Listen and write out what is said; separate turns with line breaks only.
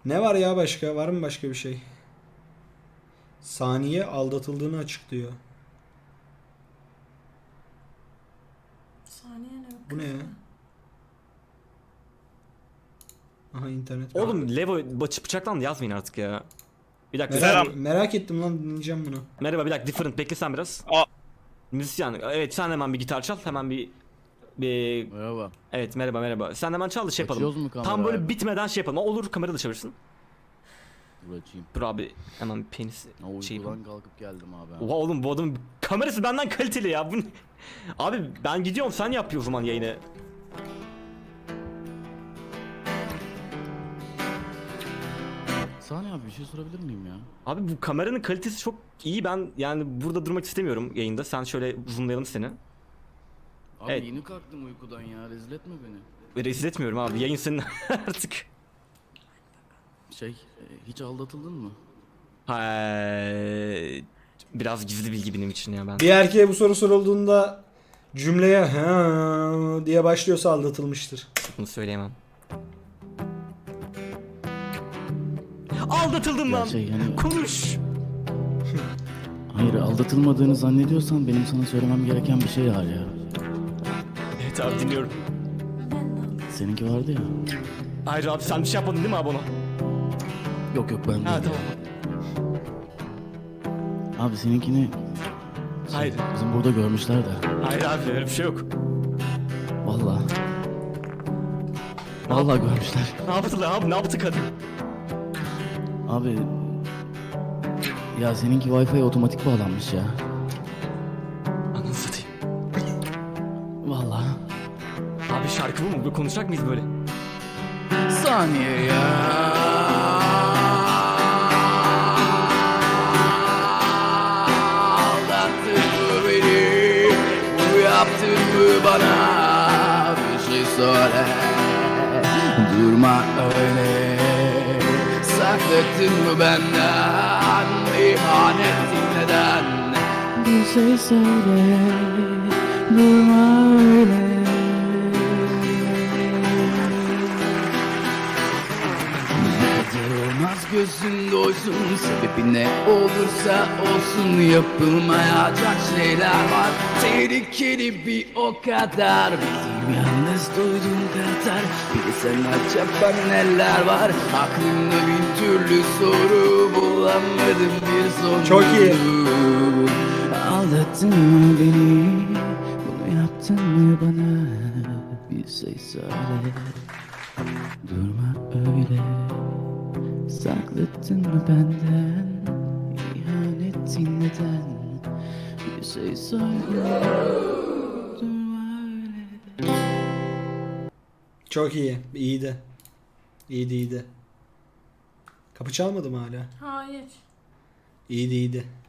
Ne var ya başka? Var mı başka bir şey? Saniye aldatıldığını açıklıyor.
Saniye ne?
Bu ne ya? Aha internet.
Oğlum Levo bıçaktan yazmayın artık ya. Bir dakika.
Merak ettim lan, dinleyeceğim bunu.
Merhaba, bir dakika, different, bekle sen biraz. Müzisyen, evet, sen hemen bir gitar çal, hemen bir
Merhaba.
evet, merhaba. Sen hemen çal da şey yapalım.
Açıyoruz mu kamerayı
Tam böyle
abi?
bitmeden şey yapalım. Olur, kamera da çevirsin.
Dur açayım.
Dur abi, hemen penis şey
Uykudan
yapalım.
kalkıp geldim abi.
Oha oğlum, bu adamın kamerası benden kaliteli ya. Bu ne? Abi ben gidiyorum, sen yap o zaman yayını.
Saniye abi bir şey sorabilir miyim ya?
Abi bu kameranın kalitesi çok iyi, ben yani burada durmak istemiyorum yayında. Sen şöyle zoomlayalım seni.
Abi
Evet.
yeni kalktım uykudan ya, rezil etme beni.
Rezil etmiyorum abi, yayın senin artık.
Hiç aldatıldın mı?
Biraz gizli bilgi benim için ya ben.
Bir erkeğe bu soru sorulduğunda cümleye ha diye başlıyorsa aldatılmıştır.
Bunu söyleyemem. Aldatıldım
Ya
lan.
yani-
Konuş.
Hayır, aldatılmadığını zannediyorsan benim sana söylemem gereken bir şey var ya.
Evet abi, dinliyorum.
Seninki vardı ya.
Hayır abi, sen bir şey yapmadın değil mi abi ona?
Yok ben değil.
Ha tamam.
Abi seninkini
Hayır.
bizim burada görmüşler de.
Hayır abi, öyle bir şey yok.
Vallahi. Vallahi görmüşler.
Ne yaptılar abi, ne yaptı kadın?
Abi ya seninki Wi-Fi otomatik bağlanmış ya.
Ananı satayım.
Vallahi.
Abi şarkı bu mu? Böyle konuşacak mıyız böyle?
Saniye ya. Aldattın mı beni? Bu yaptın mı bana? Bir şey söyle. Durma öyle. Sakladın mı benden? İhanetin neden? Bir şey söyle. Durma öyle. Durmaz gözün doysun, sebebi ne olursa olsun yapılmayacak şeyler var. Tehlikeli bir o kadar, bizim yalnız duyduğum kadar. Bir de sen acaba neler var, aklımda bin türlü soru, bulamadım bir son.
Çok iyi.
Aldattın mı beni, bunu yaptın mı bana? Bir şey söyle, durma öyle. Sakladın mı benden, ihanetin neden? Bir şey söyle, durma öyle.
Çok iyi. İyiydi. İyiydi. Kapı çalmadı mı hala?
Hayır.
İyiydi.